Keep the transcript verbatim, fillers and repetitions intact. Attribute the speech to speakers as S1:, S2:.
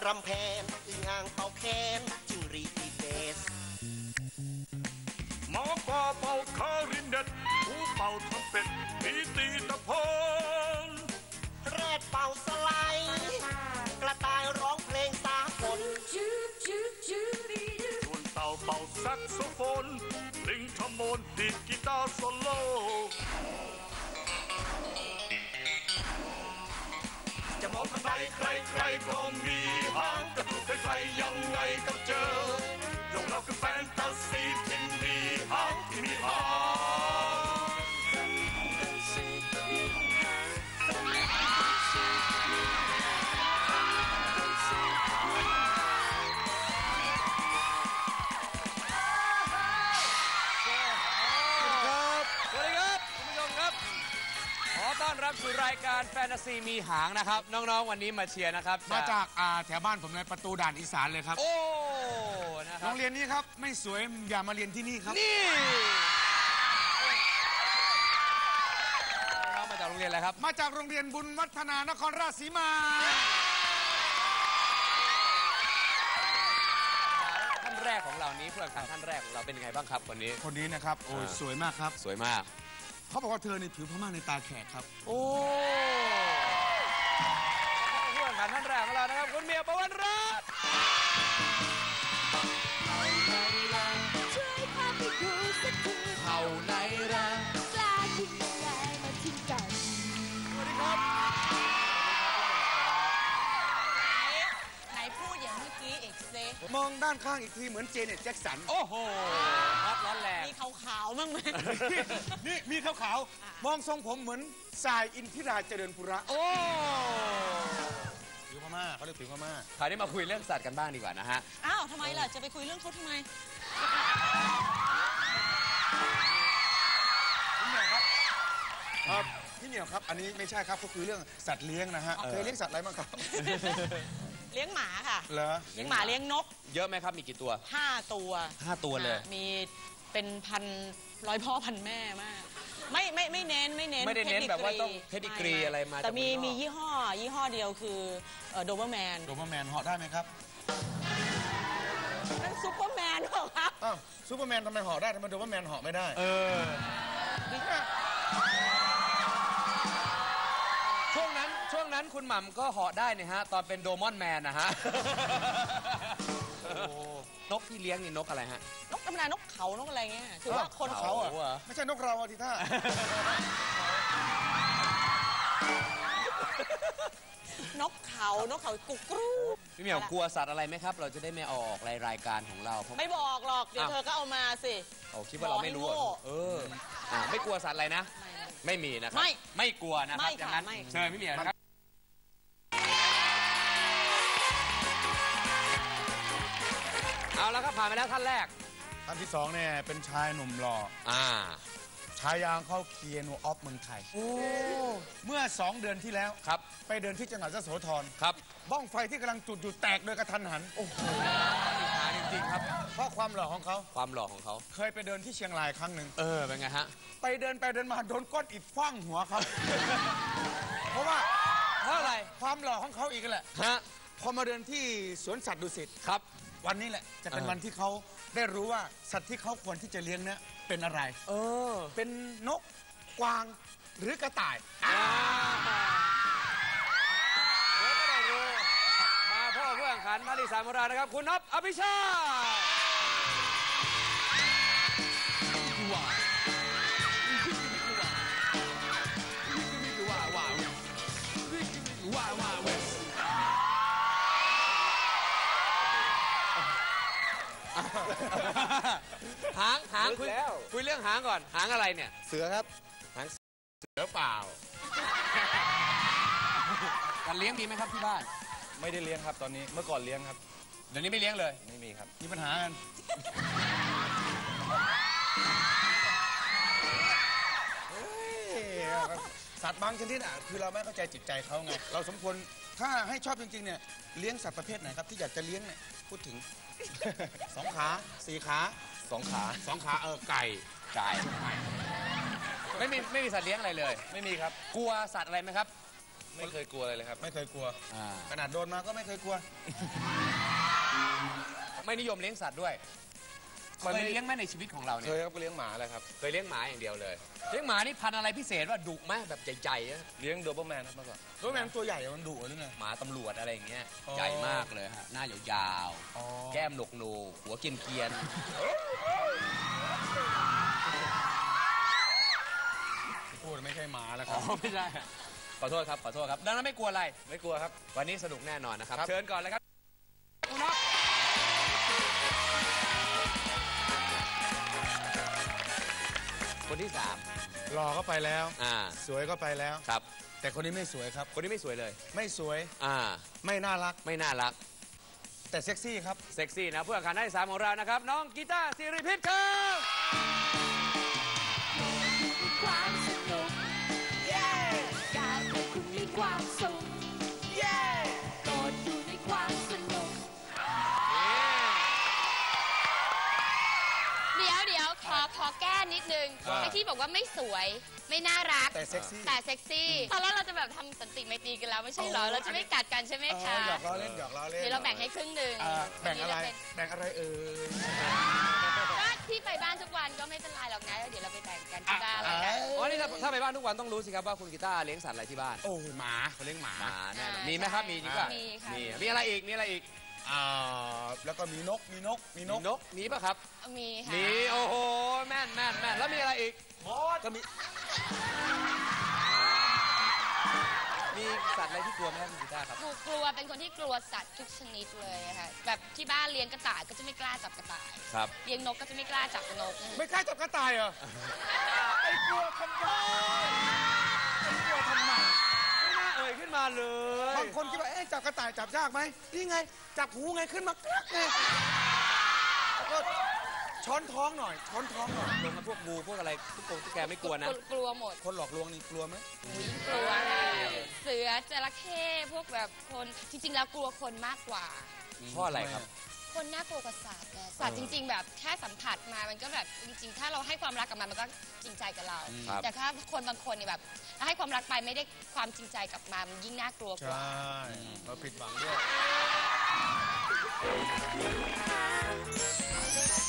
S1: รำแพนอึ่งอ่างเป่าแคนจิงรีอีเบส
S2: หมอกอเป่าคารินเด็ดหูเป่าทำเป็ดตีตีตะโพน
S1: แรดเป่าสไลด์กระต่ายร้องเพลงสากล
S2: ส่วนเต่าเป่าแซกโซโฟนลิงทำโมนดีดกีตาร์โซโล่จะมองทางใดใครใครก็มีหางกระตุกใครๆยังไงก็เจอโยกเราคือแฟนตาซีที่มีหางที่มีหาง
S3: ต้อนรับสู่รายการแฟนตาซีมีหางนะครับน้องๆวันนี้มาเชียร์นะครับ
S4: มาจากแถวบ้านผมในประตูด่านอีสานเลยครับ
S3: โอ้นะครับ
S4: โรงเรียนนี้ครับไม่สวยอย่ามาเรียนที่นี่ครับ
S3: นี่น้องมาจากโรงเรียนอะไรครับ
S4: มาจากโรงเรียนบุญวัฒนานครราชสีมา
S3: ท่านแรกของเรานี้เพื่อนกันท่านแรกของเราเป็นยังไงบ้างครับคนนี้
S4: คนนี้นะครับโอ้สวยมากครับ
S3: สวยมาก
S4: เขาบอกว่าเธอในผิวพม่าในตาแขกครับ
S3: โอ้เพื่อนกันท่านแรกของเรานะครับคุณเมียประวันรัตน์
S5: ช่วยพาไปดูสักที
S3: เผ่าไหนรัก
S5: กล้าทิ้งยังไงมาทิ้งกัน
S3: สวัสดีครับ
S5: ไหนพูดอย่างเมื่อกี้เอกเซ
S4: มองด้านข้างอีกทีเหมือนเจเน็ตแจ็คสัน
S3: โอ้โหฮอตร้อนแรง
S5: มีขาวๆมั้งไหม
S4: นี่มีขาวๆมองทรงผมเหมือนสายอินทิราเจริญปุระ
S3: โอ้
S4: ผิวพม่าเขาเรียกผิวพม่า
S3: คราวนี้มาคุยเรื่องสัตว์กันบ้างดีกว่านะฮะ
S5: อ้าวทำไมล่ะจะไปคุยเรื่องเขาทำไม
S4: พี่เหมียวครับครับพี่เหมียวครับอันนี้ไม่ใช่ครับก็คือเรื่องสัตว์เลี้ยงนะฮะเคยเลี้ยงสัตว์อะไรบ้างครับ
S5: เลี้ยงหมาค่ะ
S4: เหรอ
S5: เลี้ยงหมาเลี้ยงนก
S3: เยอะไหมครับมีกี่ตัว
S5: ห้าตัว
S3: ห้าตัวเลย
S5: มีเป็นพันร้อยพ่อพันแม่มากไม่ไม่ไม่เน้นไม่เน้น
S3: ไม่ได้เน้นแบบว่าต้องเพดิกรีอะไรมา
S5: แต่มีมียี่ห้อยี่ห้อเดียวคือโดเบอร์แมน
S4: โดเบอร์แมนเหาะได้ไหมครับ
S5: นั่นซูเปอร์แมนเหรอครับ
S4: อ้าวซูเปอร์แมนทำไมเหาะได้ทำไมโดเบอร์แมนเหาะไม่ได้
S3: เออช่วงนั้นช่วงนั้นคุณหม่ำก็เหาะได้เนี่ยฮะตอนเป็นโดมอนแมนนะฮะนกที่เลี้ยงนี่นกอะไรฮะ
S5: นกธรรมดานกเขานกอะไรเงี้ยถือว่าคน
S4: เขาอ่ะไม่ใช่นกเราทีท่
S5: านกเขานกเขากุกกรู
S3: พี่เหมียวกลัวสัตว์อะไรไหมครับเราจะได้ไม่เอาออกในรายการของเรา
S5: ไม่บอกหรอกเดี๋ยวเธอก็เอามาสิ
S3: โอ้คิดว่าเราไม่รู้เออไม่กลัวสัตว์อะไรนะไม่มีนะครับไม่ไม่กลัวนะครับอย่างนั้นเชิญพี่เหมียวครับเอาแล้วครับผ่านไปแล้วท่านแรก
S4: ท่านที่สองเนี่ยเป็นชายหนุ่มหล่อ
S3: อ่า
S4: ชายางเข้าเคียนูออฟเมืองไทยโอ้เมื่อสองเดือนที่แล้ว
S3: ครับ
S4: ไปเดินที่จังหวัดยโสธร
S3: ครับ
S4: บ้องไฟที่กำลังจุดอยู่แตกโดยกระทันหัน
S3: โอ้โหหาจริงๆครับ
S4: เพราะความหล่อของเขา
S3: ความหล่อของเขา
S4: เคยไปเดินที่เชียงรายครั้งหนึ่ง
S3: เออเป็นไงฮะ
S4: ไปเดินไปเดินมาโดนก้อนอิฐคว้างหัวครับเพราะว่า
S3: เพราะอะไร
S4: ความหล่อของเขาอีกแหละ
S3: ฮะ
S4: พอมาเดินที่สวนสัตว์ดุสิต
S3: ครับ
S4: วันนี้แหละจะเป็นวันที่เขาได้รู้ว่าสัตว์ที่เขาควรที่จะเลี้ยงเนี่ยเป็นอะไร
S3: เออ
S4: เป็นนกกวางหรือกระต่าย
S3: เดี๋ยวก็ได้รู้มาพ่อเพื่อนขันมาที่สามของเรานะครับคุณน็อปอภิชาหางหางคุยคุยเรื่องหางก่อนหางอะไรเนี่ย
S4: เสือครับ
S3: หางเสือเปล่าการเลี้ยงมีไหมครับที่บ้าน
S4: ไม่ได้เลี้ยงครับตอนนี้เมื่อก่อนเลี้ยงครับ
S3: เดี๋ยวนี้ไม่เลี้ยงเลย
S4: ไม่มีครับมีปัญหากันสัตว์บางชนิดอ่ะคือเราไม่เข้าใจจิตใจเขาไงเราสมควรถ้าให้ชอบจริงๆเนี่ยเลี้ยงสัตว์ประเภทไหนครับที่อยากจะเลี้ยงเนี่ยพูดถึงสองขาสี่ขา
S3: สองขา
S4: สองขาเออไก่
S3: ไก่ไม่มีไม่มีสัตว์เลี้ยงอะไรเลย
S4: ไม่มีครับ
S3: กลัวสัตว์อะไรไหมครับไม่เคยกลัวเลยเลยครับ
S4: ไม่เคยกลัว
S3: อ่า
S4: ขนาดโดนมาก็ไม่เคยกลัว
S3: ไม่นิยมเลี้ยงสัตว์ด้วยเคยเลี้ยงไหมในชีวิตของเราเนี่
S4: เค
S3: ย
S4: ยครับก็เลี้ยงหมาแหละครับ
S3: เคยเลี้ยงหมาอย่างเดียวเลยเลี้ยงหมานี่พันธุ์อะไรพิเศษว่าดุไหมแบบใหญ่ๆอะ
S4: เลี้ยงโดเบอร์แมนครับเมื่อก่อนโดเบอร์แมนตัวใหญ่มันดุหรือไง
S3: หมาตำรวจอะไรอย่างเงี้ย
S4: อ๋อ
S3: ใหญ่มากเลยฮะหน้ายาว
S4: อ๋อ
S3: ๆแก้มหนกโหนกหัวเกรียน
S4: พูดไม่ใช่หมาแล้ว
S3: ๆ
S4: ค
S3: อ๋
S4: รั
S3: อบ ไม่ใช่ขอโทษครับขอโทษครับดังนั้นไม่กลัวอะไร
S4: ไม่กลัวครับ
S3: วันนี้สนุกแน่นอนนะครับ
S4: ครับ
S3: เชิญก่อนเลยครับคุณน็อตคนที่สาม
S4: หล่อก็ไปแล้ว
S3: อ่า
S4: สวยก็ไปแล้ว
S3: ครับ
S4: แต่คนนี้ไม่สวยครับ
S3: คนนี้ไม่สวยเลย
S4: ไม่สวย
S3: อ่า
S4: ไม่น่ารัก
S3: ไม่น่ารัก
S4: แต่เซ็กซี่ครับ
S3: เซ็กซี่นะผู้แข่งขันท่านที่สามของเรานะครับ น้องกีตาร์สิริพิษครับ
S6: มีความสนุก เย้อยากให้คุณมีความสุข เย้โปรดอยู่ในความสนุก
S7: เดี๋ยวเดี๋ยวขอขอแก้นิดนึง
S4: ว่า
S7: ไอ้ที่บอกว่าไม่สวยไม่น่ารัก
S4: แต่เซ็กซี่
S7: แต่เซ็กซี่ตอนแรกเราจะแบบทำสันติไมตรีกันแล้วไม่ใช่เหรอ
S4: โอ้
S7: เราจะไม่กัดกันใช่ไหม
S4: อ๋อ
S7: คะ
S4: หยอกล้อเล่นหยอกล้อเล่น
S7: เดี๋ยวเราแบ่งให้ครึ่งหนึ่ง
S4: อ่าแบ่งอะไร
S7: วันนี้เา
S4: แบ่งอะไรเอ่ย
S7: เป็นก็ที่ไปบ้านทุกวันก็ไม่เป็นไรหรอกนะแล้วเดี๋ยวเราไปแบ่งกันที่บ้านแล้วกัน
S3: อ๋อนี่ถ้าถ้าไปบ้านทุกวันต้องรู้สิครับว่าคุณกีตาร์เลี้ยงสัตว์อะไรที่บ้าน
S4: โอ้ยหมาเขาเลี้ยงหมา
S3: หมาแน่นอน
S7: อ่า
S3: มีไหมครับมีจริงป่ะ
S7: มีค่ะ
S3: มีมีอะไรอีกมีอะไรอีก
S4: อ่าแล้วก็มีนกมีนกมีน
S3: มี
S4: ก
S3: นกมีป่ะครับ
S7: มีค่ะ
S3: มีโอ้โหแม่นแม่นแม่นแล้วมีอะไรอีก
S4: ก็มี
S3: มีสัตว์อะไรที่กลัวไหมครับคุณกีตาร์ครับ
S7: กลัวกลัวเป็นคนที่กลัวสัตว์ทุกชนิดเลยอะค่ะแบบที่บ้านเลี้ยงกระต่ายก็จะไม่กล้าจับกระต่าย
S3: ครับ
S7: เลี้ยงนกก็จะไม่กล้าจับนก
S4: ไม่กล้าจับกระต่ายเหรอไอ้กลัวทำไมไอ้กลัวทำไม
S3: ไม่น่าเอ่ยขึ้นมาเลย
S4: บางคนคิดว่าเอ๊ะจับกระต่ายจับยากไหมนี่ไง จับหูไงขึ้นมากรักไงแล้วก็ช้อนท้องหน่อย ช้อนท้องหน่อย
S3: ลงมาพวกงูพวกอะไรพวกกงตุ๊กแกไม่กลัวนะ
S7: กลัวหมด
S4: คนหลอกลวงนี่กลัวไหม
S7: อุ๊ยกลัวค่ะเสือจระเข้พวกแบบคนจริง ๆ แล้วกลัวคนมากกว่า
S3: เพราะอะไรครับ
S7: คนน่ากลัวกว่าสัตว์นะสัตว์จริง ๆ แบบแค่สัมผัสมามันก็แบบจริง ๆ ถ้าเราให้ความรักกับมันมันก็จริงใจกับเรา
S3: ครับ
S7: แต่ถ้าคนบางคนเนี่ยแบบถ้าให้ความรักไปไม่ได้ความจริงใจกลับมามันยิ่งน่ากลัวก
S4: ใช่
S7: ว่า
S4: เราผิดหวังด้วย
S6: เ